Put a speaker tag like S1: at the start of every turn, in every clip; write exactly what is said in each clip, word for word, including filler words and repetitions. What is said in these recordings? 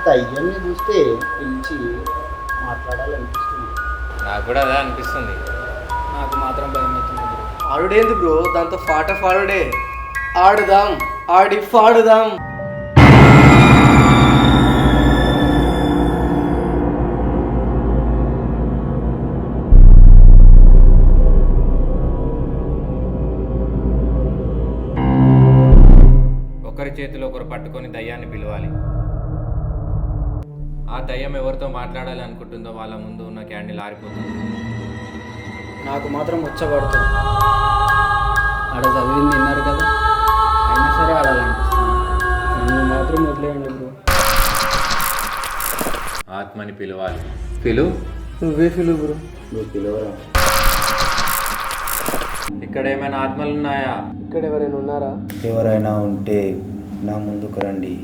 S1: దయ్యాన్ని చూస్తే పిలిచి మాట్లాడాలనిపిస్తుంది.
S2: నాకు కూడా అదే అనిపిస్తుంది.
S3: నాకు మాత్రం భయం అవుతుంది బ్రో.
S4: ఆడుడేంది బ్రో, దాంతో పాట పాడుడే. ఆడుదాం, ఆడి పాడుదాం.
S2: ఒకరి చేతిలో ఒకరు పట్టుకొని దయ్యాన్ని పిలవాలి. ఆ దయ్యం ఎవరితో మాట్లాడాలి అనుకుంటుందో వాళ్ళ ముందు ఉన్న క్యాండిల్ ఆరిపోతుంది.
S3: నాకు మాత్రం వచ్చబడుతుంది. ఆడ చదివింది విన్నారు కదా, అయినా సరే ఆడాలనిపిస్తుంది. నన్ను మాత్రం వదిలేయండి బ్రో.
S2: ఆత్మని పిలవాలి. పిలు.
S4: నువ్వే ఫీల్ బ్రో.
S1: నువ్వు పిలవరా?
S2: ఇక్కడ ఏమైనా ఆత్మలు ఉన్నాయా?
S4: ఇక్కడ ఎవరైనా ఉన్నారా?
S1: ఎవరైనా ఉంటే నా ముందుకు రండి.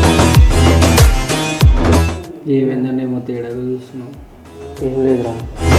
S3: ఏమైందండి ఏమో తేడాగా చూస్తున్నావు?
S4: ఏం లేదురా.